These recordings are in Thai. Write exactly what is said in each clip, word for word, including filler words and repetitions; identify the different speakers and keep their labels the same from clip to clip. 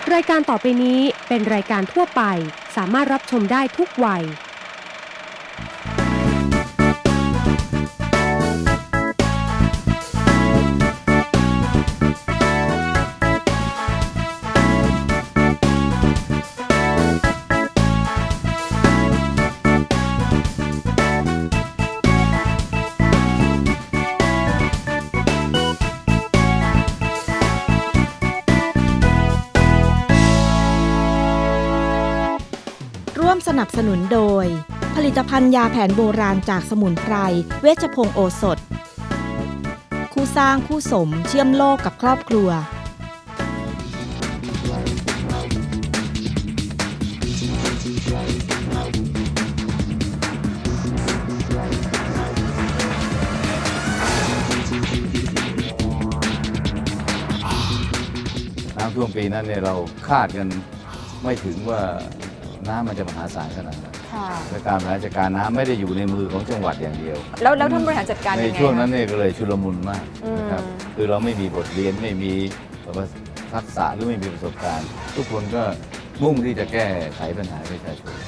Speaker 1: รายการต่อไปนี้เป็นรายการทั่วไปสามารถรับชมได้ทุกวัย
Speaker 2: ร่วมสนับสนุนโดยผลิตภัณฑ์ยาแผนโบราณจากสมุนไพรเวชพงศ์โอสถคู่สร้างคู่สมเชื่อมโลกกับครอบครัว
Speaker 3: น้ำท่วมปีนั้นเนี่ยเราคาดกันไม่ถึงว่าน้ำมันจะมหาศาลขนาดนั้นและการบริหารจัดการน้ำไม่ได้อยู่ในมือของจังหวัดอย่างเดียว
Speaker 4: แล้วแล้วท่านบริหารจัดการยังไง
Speaker 3: ในช่วงนั้นเนี่ยก็เลยชุลมุนมากนะครับคือเราไม่มีบทเรียนไม่มีทักษะหรือไม่มีประสบการณ์ ทุกคนก็มุ่งที่จะแก้ไขปัญหาประชาชน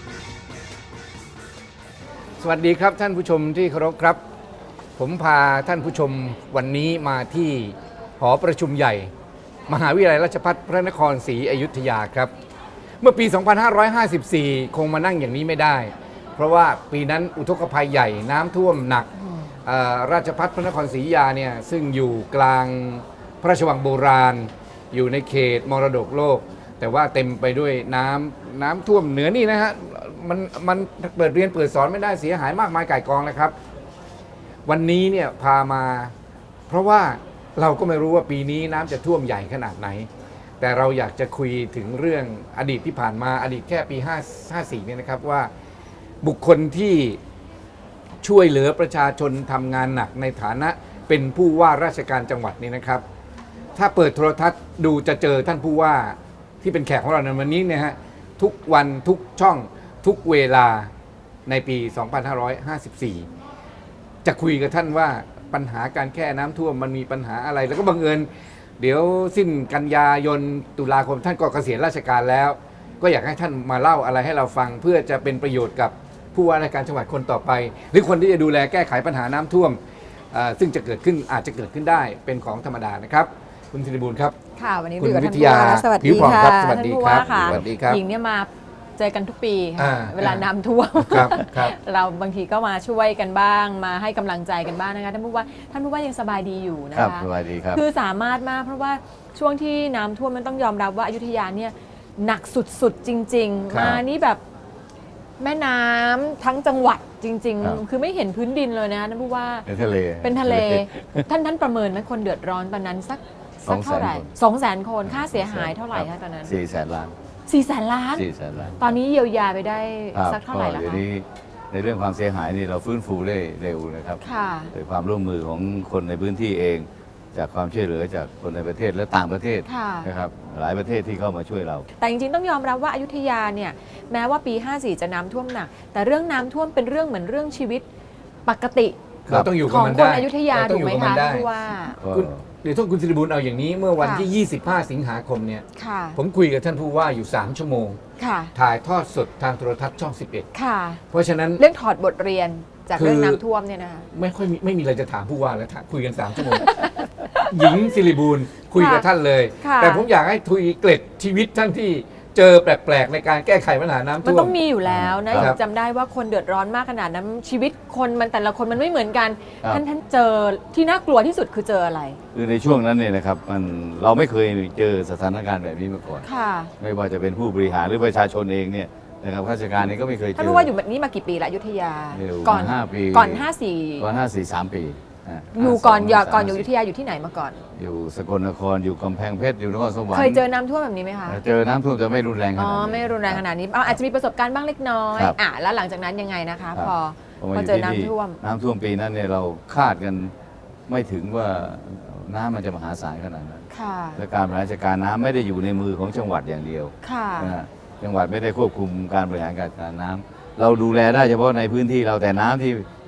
Speaker 5: สวัสดีครับท่านผู้ชมที่เคารพครับผมพาท่านผู้ชมวันนี้มาที่หอประชุมใหญ่มหาวิทยาลัยราชภัฏพระนครศรีอยุธยาครับเมื่อปี สองพันห้าร้อยห้าสิบสี่ คงมานั่งอย่างนี้ไม่ได้เพราะว่าปีนั้นอุทกภัยใหญ่น้ำท่วมหนักราชภัฏพระนครศรีอยุธยาเนี่ยซึ่งอยู่กลางพระราชวังโบราณอยู่ในเขตมรดกโลกแต่ว่าเต็มไปด้วยน้ำน้ำท่วมเหนือนี่นะฮะมันมันเปิดเรียนเปิดสอนไม่ได้เสียหายมากมายก่ายกองเลยครับวันนี้เนี่ยพามาเพราะว่าเราก็ไม่รู้ว่าปีนี้น้ำจะท่วมใหญ่ขนาดไหนแต่เราอยากจะคุยถึงเรื่องอดีตที่ผ่านมาอดีตแค่ปีห้าสี่เนี่ยนะครับว่าบุคคลที่ช่วยเหลือประชาชนทำงานหนักในฐานะเป็นผู้ว่าราชการจังหวัดนี่นะครับถ้าเปิดโทรทัศน์ดูจะเจอท่านผู้ว่าที่เป็นแขกของเราในวันนี้เนี่ยฮะทุกวันทุกช่องทุกเวลาในปี สองพันห้าร้อยห้าสิบสี่ จะคุยกับท่านว่าปัญหาการแก้น้ำท่วมมันมีปัญหาอะไรแล้วก็บังเอิญเดี๋ยวสิ้นกันยายนตุลาคมท่านก็เกษียณราชการแล้วก็อยากให้ท่านมาเล่าอะไรให้เราฟังเพื่อจะเป็นประโยชน์กับผู้ว่าราชการจังหวัดคนต่อไปหรือคนที่จะดูแลแก้ไขปัญหาน้ำท่วมซึ่งจะเกิดขึ้นอาจจะเกิดขึ้นได้เป็นของธรรมดานะครับคุณศิริบูลครับ
Speaker 4: ค่ะวันนี้
Speaker 5: คุณ
Speaker 4: อยู่กับ
Speaker 5: วิ
Speaker 4: ท่าน
Speaker 5: ท
Speaker 4: ผู้
Speaker 5: ยา
Speaker 4: ว่าสวัส
Speaker 5: ผิ
Speaker 4: ดี
Speaker 5: วผ่อง
Speaker 4: ค่ะ
Speaker 5: ครับสวัสดีครับ
Speaker 4: ท่านผู้ว่าค่ะ
Speaker 5: สวัสดีครับ
Speaker 4: หญิงเนี่ยมาเจอกันทุกปี
Speaker 5: อ่า
Speaker 4: ค่ะเวลาน้ำท่วม
Speaker 5: ครับครับ
Speaker 4: เราบางทีก็มาช่วยกันบ้างมาให้กำลังใจกันบ้างนะคะท่านผู้ว่าท่านผู้ว่ายังสบายดีอยู่นะ
Speaker 3: ครั
Speaker 4: คะ
Speaker 3: บสวัสดีครับ
Speaker 4: คือสามารถมากเพราะว่าช่วงที่น้ำท่วมมันต้องยอมรับว่าอยุธยาเนี่ยหนักสุดๆจริง ๆ มานี่แบบแม่น้ำทั้งจังหวัดจริง ๆ คือไม่เห็นพื้นดินเลยนะท่านผู้ว่า
Speaker 3: เป็นทะเล
Speaker 4: เป็นทะเลท่านท่านประเมินไหมคนเดือดร้อนตอนนั้นสักสักเท่าไหร่สองแสนคนค่าเสียหายเท่าไหร่คะตอนนั้น
Speaker 3: สี่แสนล้าน
Speaker 4: สี่แสนล้าน
Speaker 3: สี่แสนล้าน
Speaker 4: ตอนนี้เยียวยาไปได้สักเท่าไหร่แล้วคะ
Speaker 3: เดี๋ยวนี้ในเรื่องความเสียหายนี่เราฟื้นฟูได้เร็วนะครับโดยความร่วมมือของคนในพื้นที่เองจากความช่วยเหลือจากคนในประเทศและต่างประเทศนะครับหลายประเทศที่เข้ามาช่วยเรา
Speaker 4: แต่จริงๆต้องยอมรับว่าอยุธยาเนี่ยแม้ว่าปีห้าสี่จะน้ำท่วมหนักแต่เรื่องน้ำท่วมเป็นเรื่องเหมือนเรื่องชีวิตปกติ
Speaker 5: เราต้องอยู่
Speaker 4: ข
Speaker 5: กับ
Speaker 4: อง
Speaker 5: มัน
Speaker 4: ค
Speaker 5: ได้
Speaker 4: นอยุธยาถูกไหมคะที่ว่า
Speaker 5: เดี๋ยวท่านคุณศิริบูลเอาอย่างนี้เมื่อวันที่ยี่สิบห้าสิงหาคมเนี่ยผมคุยกับท่านผู้ว่าอยู่สามชั่วโมงถ่ายทอดสดทางโทรทัศน์ช่องสิบเอ็ดเพราะฉะนั้น
Speaker 4: เรื่องถอดบทเรียนจากเรื่องน้ำท่วมเนี่ยนะคะ
Speaker 5: ไม่ค่อยมีไม่มีอะไรจะถามผู้ว่าแล้วคุยกันสามชั่วโมงหญิงศิริบูลคุยกับท่านเลยแต่ผมอยากให้คุยเกร็ดชีวิตท่านที่เจอแปลกๆในการแก้ไขปัญหาน้ำท่วม
Speaker 4: มันต้องมีอยู่แล้วนะจำได้ว่าคนเดือดร้อนมากขนาดนั้นชีวิตคนมันแต่ละคนมันไม่เหมือนกันท่านท่านเจอที่น่ากลัวที่สุดคือเจออะไร
Speaker 3: คือในช่วงนั้นเนี่ยนะครับมันเราไม่เคยเจอสถานการณ์แบบนี้มาก่อนไม่ว่าจะเป็นผู้บริหารหรือประชาชนเองเนี่ยนะครับข้าราชการนี้ก็ไม่เคยเจอ
Speaker 4: ท่านรู้ว่าอยู่แบบนี้มากี่ปีละอยุธยา
Speaker 3: ก่อนห้าปี
Speaker 4: ก่อนห้าสี่
Speaker 3: ก่อนห้าสี่สามปี
Speaker 4: อยู่ก่อนอย่าก่อนอยู่อยุธยาอยู่ที่ไหนมาก่อน
Speaker 3: อยู่สกลนครอยู่กำแพงเพชรอยู่นครสวรรค์
Speaker 4: เคยเจอน้ำท่วมแบบนี้ไหมคะ
Speaker 3: เจอน้ำท่วมจะไม่รุนแรงขนาดนี้
Speaker 4: อ๋อไม่รุนแรงขนาดนี้อาจจะมีประสบการณ์บ้างเล็กน้อยอ่ะแล้วหลังจากนั้นยังไงนะคะพอพอเจอน้ำท่วม
Speaker 3: น้ำท่วมปีนั้นเนี่ยเราคาดกันไม่ถึงว่าน้ำมันจะมหาศาลขนาดนั้นและการบริหารจัดการน้ำไม่ได้อยู่ในมือของจังหวัดอย่างเดียวจังหวัดไม่ได้ควบคุมการบริหารการน้ำเราดูแลได้เฉพาะในพื้นที่เราแต่น้ำที่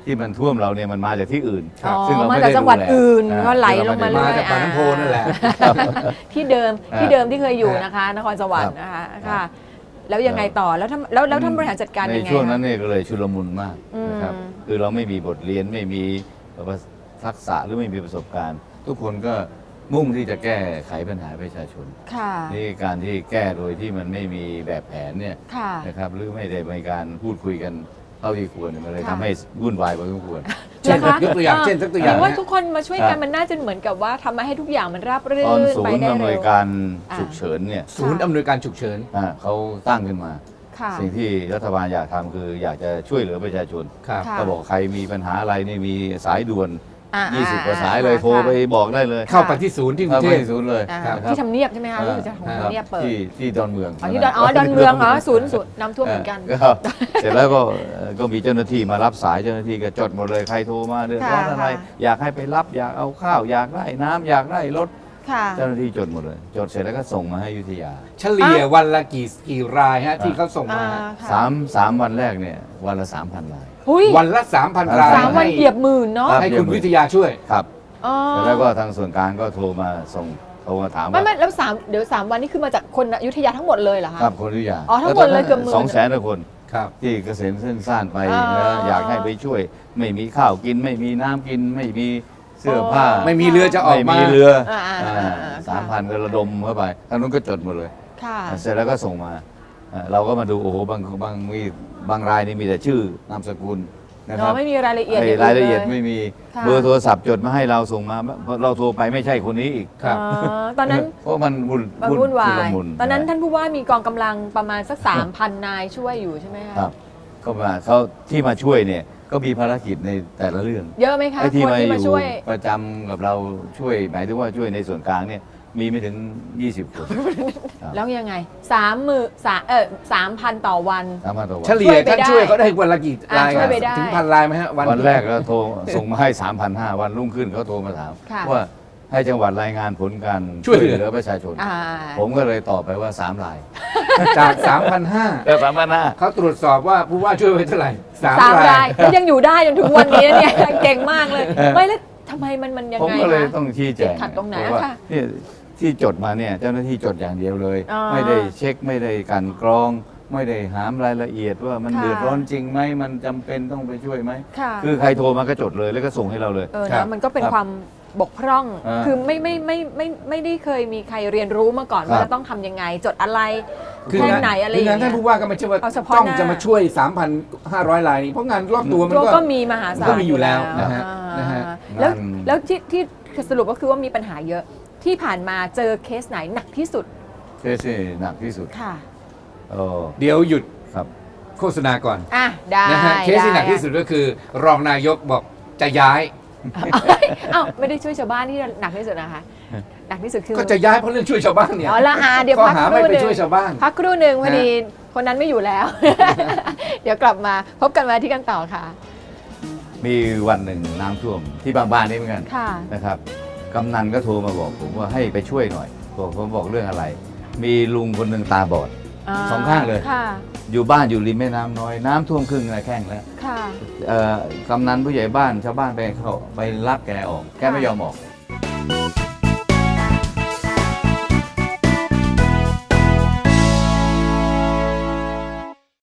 Speaker 3: ที่มันท่วมเราเนี่ยมันมาจากที่อื่น
Speaker 4: อ๋อ
Speaker 3: ซึ่งเรา
Speaker 4: มา
Speaker 3: ไม่
Speaker 4: จาก
Speaker 3: ได้
Speaker 4: จังหวัด
Speaker 3: ดูแล
Speaker 4: อื่น
Speaker 3: อ่
Speaker 4: ก็ไหลลงมา
Speaker 3: ซึ่
Speaker 4: เรื่
Speaker 5: มา
Speaker 4: อย
Speaker 5: จากปากน้ำโพนั่นแหละ
Speaker 4: ที่เดิม
Speaker 3: อ่า
Speaker 4: ที่เดิมที่เคยอยู่
Speaker 5: ฮะ
Speaker 4: นะคะ นครสวรรค์นะคะ
Speaker 3: ครั
Speaker 4: ค่ะ
Speaker 3: บ
Speaker 4: แล้วยังไงต่อแล้วท่านแล้วแล้วท่านบริหารจัดการ
Speaker 3: ใน
Speaker 4: ยังไง
Speaker 3: ช่วงนั้น
Speaker 4: คะ
Speaker 3: เนี่ยก็เลยชุลมุนมาก
Speaker 4: อืม
Speaker 3: นะครับคือเราไม่มีบทเรียนไม่มีทักษะหรือไม่มีประสบการณ์ ทุกคนก็มุ่งที่จะแก้ไขปัญหาประชาชน
Speaker 4: ค่ะ
Speaker 3: นี่การที่แก้โดยที่มันไม่มีแบบแผนเนี่ย
Speaker 4: ค่ะ
Speaker 3: นะครับหรือไม่ได้มีการพูดคุยกันเท่าที่ควรเนี่ยมันเลย
Speaker 4: ค่ะ
Speaker 3: ทำให้วุ่นวายพอสมควร
Speaker 5: เช่น
Speaker 4: หรอคะ
Speaker 5: ยกตัวอย่างเช่นสักตัวอย่าง
Speaker 4: หรือว่า
Speaker 5: นะ
Speaker 4: ทุกคนมาช่วย
Speaker 3: ครั
Speaker 4: กัน
Speaker 3: บ
Speaker 4: มันน่าจะเหมือนกับว่าทำมาให้ทุกอย่างมันราบรื่
Speaker 3: ตอน
Speaker 4: น
Speaker 3: ศู
Speaker 4: ไป
Speaker 3: นย์
Speaker 4: ได้
Speaker 3: อำน
Speaker 4: เร็
Speaker 3: วยว การฉุกเฉินเนี่ย
Speaker 5: ศูนย์อำนวยการฉุกเฉิน
Speaker 3: อ่าเขาตั้งขึ้นมา
Speaker 4: ค่ะ
Speaker 3: สิ่งที่รัฐบาลอยากทำคืออยากจะช่วยเหลือประชาชน
Speaker 5: ครับ
Speaker 4: ค่ะ
Speaker 3: ก็บอกใครมีปัญหาอะไรนี่มีสายด่วน
Speaker 4: อ่า
Speaker 3: ยี่สิบ
Speaker 4: อ่
Speaker 3: กว่าสายเลย
Speaker 4: ค่ะ
Speaker 3: โทรไปบอกได้เลย
Speaker 5: เข้าไปที่ศูนย์ที่กรุ
Speaker 3: เข้าง
Speaker 5: เท
Speaker 3: ไป
Speaker 5: พ
Speaker 3: ที่ศูนย์เลย
Speaker 4: อ่า
Speaker 5: ครับ
Speaker 4: ที่ทำเนียบใช่ไหมคะรู้สึกจะของ
Speaker 3: ครับ
Speaker 4: ทำเนียบเปิด
Speaker 3: ที่ที่ดอนเมือง
Speaker 4: อ๋อที่ดอนอ๋อดอนเมืองอ๋อศูนย์ศูนย์น้ำท่วมเหมือนกัน
Speaker 3: ก็เสร็จแล้วก็เอ่อก็มีเจ้าหน้าที่มารับสายเจ้าหน้าที่ก็จดหมดเลยใครโทรมาเดือดร้อน
Speaker 4: ค่ะ
Speaker 3: อะไร
Speaker 4: ค่ะ
Speaker 3: อยากให้ไปรับอยากเอาข้าวอยากได้น้ำอยากได้รถ
Speaker 4: ค่ะ
Speaker 3: เจ้าหน้าที่จดหมดเลย จดเสร็จแล้วก็ส่งมาให้อยุธยา
Speaker 5: เฉลี่ยวันละกี่กี่รายฮะที่เขาส่ง
Speaker 4: อ่า
Speaker 5: มาฮะ
Speaker 4: ค่ะ
Speaker 3: สามสามวันแรกเนี่ยวันละสามพันราย
Speaker 4: หุ้ย
Speaker 5: วันละ 3,000 ราย
Speaker 4: สามวันเหยียบหมื่นเนาะ
Speaker 3: ครับ
Speaker 5: ให้คุณวิทยาช่วย
Speaker 3: ครับ
Speaker 4: อ๋อ
Speaker 3: เสร็จแล้วก็ทางส่วนกลางก็โทรมาส่งโทรมาถาม
Speaker 4: ไม่
Speaker 3: ว่า
Speaker 4: ไม่แล้วสามเดี๋ยวสามวันนี้คือมาจากคนอยุธยาทั้งหมดเลยเหรอคะ
Speaker 3: ครับคนอยุธยา
Speaker 4: อ๋อทั้งหมดเลยเกือบหมื่น
Speaker 3: สองแสนกว่าคน
Speaker 5: ครับ
Speaker 3: ที่เกษมเส้นซ่านไป
Speaker 4: อ่า
Speaker 3: นะอยากให้ไปช่วย ไม่มีข้าวกิน ไม่มีน้ำกิน ไม่มีเสื้อผ้า
Speaker 4: อ๋อ
Speaker 5: ไม่มีเรือจะออก
Speaker 3: ไม่
Speaker 5: มา
Speaker 3: มีเรือ
Speaker 4: อ่าอ่าอ่าอ่า
Speaker 3: สามพันก็ระดมเข้าไปทางนู้นก็จดหมดเลย
Speaker 4: ค่ะ
Speaker 3: เสร็จแล้วก็ส่งมาอ่าเราก็มาดูโอ้โหบางบางมีบางรายนี่มีแต่ชื่อนามสกุลนะค
Speaker 4: เนาะ
Speaker 3: รับ
Speaker 4: ไม่มีรายละเอียด
Speaker 3: ไอ้
Speaker 4: งน
Speaker 3: รายละเอียดไม่มี
Speaker 4: ค่ะ
Speaker 3: เบอร์โทรศัพท์จดมาให้เราส่งมาเราโทรไปไม่ใช่คนนี้อีก
Speaker 5: ครับ
Speaker 4: อ๋อตอนนั้น
Speaker 3: เพราะมันวุ่น
Speaker 4: มันวุ่นวา
Speaker 3: ชุล
Speaker 4: ย
Speaker 3: มุ
Speaker 4: ตอนนั้น
Speaker 3: ะ
Speaker 4: ท่านผู้ว่ามีกองกำลังประมาณสักสามพันนายช่วยอยู่ใช่ไหมคะ
Speaker 3: ครับก็มาเขาที่มาช่วยเนี่ยก็มีภารกิจในแต่ละเรื่อง
Speaker 4: เยอะไหมคะ
Speaker 3: ไอ้ที่
Speaker 4: คน
Speaker 3: มา
Speaker 4: ที่
Speaker 3: อ
Speaker 4: มา
Speaker 3: ยู่
Speaker 4: ช่วย
Speaker 3: ประจำกับเราช่วยหมายถึงว่าช่วยในส่วนกลางเนี่ยมีไม่ถึง ยี่สิบ คน ครับ
Speaker 4: แล้วยังไงสามมือสามเออสามพันต่อวัน
Speaker 3: สามารถต่อวัน
Speaker 5: เฉลี่ย
Speaker 4: ช่วยไป
Speaker 5: ท่าน
Speaker 4: ได้
Speaker 5: ช่วยเขาได้วันละกี่
Speaker 4: อ่าร
Speaker 5: าย
Speaker 4: ช่วยไปได้
Speaker 5: ถึงพันรายไหมฮะ
Speaker 3: วันแรกก็โทรส่งมาให้ สามพันห้าร้อย วันรุ่งขึ้นเขาโทรมาถาม
Speaker 4: ค่ะ
Speaker 3: ว่าให้จังหวัดรายงานผลการ
Speaker 5: ช่วยเหลือ
Speaker 3: ประชาชน
Speaker 4: อ่า
Speaker 3: ผมก็เลยตอบไปว่าสามราย
Speaker 5: จาก 3,500
Speaker 3: แต่สามพันห้า
Speaker 5: เขาตรวจสอบว่าผู้ว่าช่วยไว้เท่าไหร่สาม
Speaker 4: สาม
Speaker 5: ราร
Speaker 4: าย ยแล้วยังอยู่ได้จนถึงวันนี้เนี่ย เก่งมากเลย ไม่แล้วทำไมมันมันยัง
Speaker 3: ผม
Speaker 4: ไง
Speaker 3: ก็เลย
Speaker 4: คะ
Speaker 3: ต้องชี้แจง
Speaker 4: ติดขัดตรงไหน
Speaker 3: เพาะว่า
Speaker 4: ค่ะ
Speaker 3: เนี่ยที่จดมาเนี่ยเจ้าหน้าที่จดอย่างเดียวเลย
Speaker 4: อ๋อ
Speaker 3: ไม่ได้เช็คไม่ได้กลันกรอง ไม่ได้หามรายละเอียดว่ามัน
Speaker 4: ค่ะ
Speaker 3: เดือดร้อนจริงไหมมันจำเป็นต้องไปช่วยไหม
Speaker 4: ค่ะ
Speaker 3: คือใครโทรมาก็จดเลยแล้วก็ส่งให้เราเลย
Speaker 4: เออ
Speaker 5: ครั
Speaker 4: นะ
Speaker 5: บ
Speaker 4: มันก็เป็น
Speaker 3: ครับ
Speaker 4: ความบกพร่อง
Speaker 3: อ่า
Speaker 4: คือไม่ไม่ไม่ไม่ไม่ได้เคยมีใครเรียนรู้มาก่อน
Speaker 3: ครับ
Speaker 4: ว่าจะต้องทำยังไง จดอะไร
Speaker 5: คือ
Speaker 4: แค่
Speaker 5: งาน
Speaker 4: ไหนอะไรอ
Speaker 5: คือย่าง
Speaker 4: เงี้
Speaker 5: นท่าน
Speaker 4: ย
Speaker 5: ผู้ว่าก็ไม่ใช่ว่า
Speaker 4: เอาเฉพาะ
Speaker 5: ต้อง
Speaker 4: หน้า
Speaker 5: จะมาช่วย สามพันห้าร้อย รายนี้เพราะงานรอบตัวมัน
Speaker 4: ก็
Speaker 5: ก็
Speaker 4: ก็มีมหาศาล
Speaker 5: ก็มีอยู่แล้วนะฮะ
Speaker 4: อ่า
Speaker 5: นะฮะ
Speaker 4: แล้ว
Speaker 3: งาน
Speaker 4: แล้วที่ที่สรุปก็คือว่ามีปัญหาเยอะที่ผ่านมาเจอเคสไหนหนักที่สุด
Speaker 3: เคสที่หนักที่สุด
Speaker 4: ค่ะ
Speaker 3: โอ้
Speaker 5: เดี๋ยวหยุด
Speaker 3: ครับ
Speaker 5: โฆษณาก่อน
Speaker 4: อ่ะได้
Speaker 5: นะฮะเคสที่หนักที่สุดก็คือ รองนายกบอกจะย้าย
Speaker 4: อ้าวไม่ได้ช่วยชาวบ้านที่หนักที่สุดนะคะหนักที่สุดคือ
Speaker 5: ก็จะย้ายเพราะเรื่องช่วยชาวบ้านเนี่ย
Speaker 4: อ๋อละอาเดี๋ยว
Speaker 5: ข้อ
Speaker 4: พัก
Speaker 5: หา
Speaker 4: ค
Speaker 5: ไม่
Speaker 4: รู่
Speaker 5: ไป
Speaker 4: หนึ่ง
Speaker 5: ช่วยชาวบ้าน
Speaker 4: พักครู่หนึ่งพอ
Speaker 5: ฮะ
Speaker 4: ดีคนนั้นไม่อยู่แล้ว เดี๋ยวกลับมาพบกันมาที่กันต่อค่ะ
Speaker 3: มีวันหนึ่งน้ำท่วมที่บางบ้านนี่เหมือนกัน
Speaker 4: ค่ะ
Speaker 3: นะครับกำนันก็โทรมาบอกผมว่าให้ไปช่วยหน่อยบอกผมบอกเรื่องอะไร มีลุงคนหนึ่งตาบอด สองข้างเลย
Speaker 4: ค่ะ
Speaker 3: อยู่บ้านอยู่ริมแม่น้ำน้อยน้ำท่วมครึ่งนะแข้งแล้ว
Speaker 4: ค่ะ
Speaker 3: เอ่อกำนันผู้ใหญ่บ้านชาวบ้านไปเขาไปรับแกออก แกไม่ยอมออก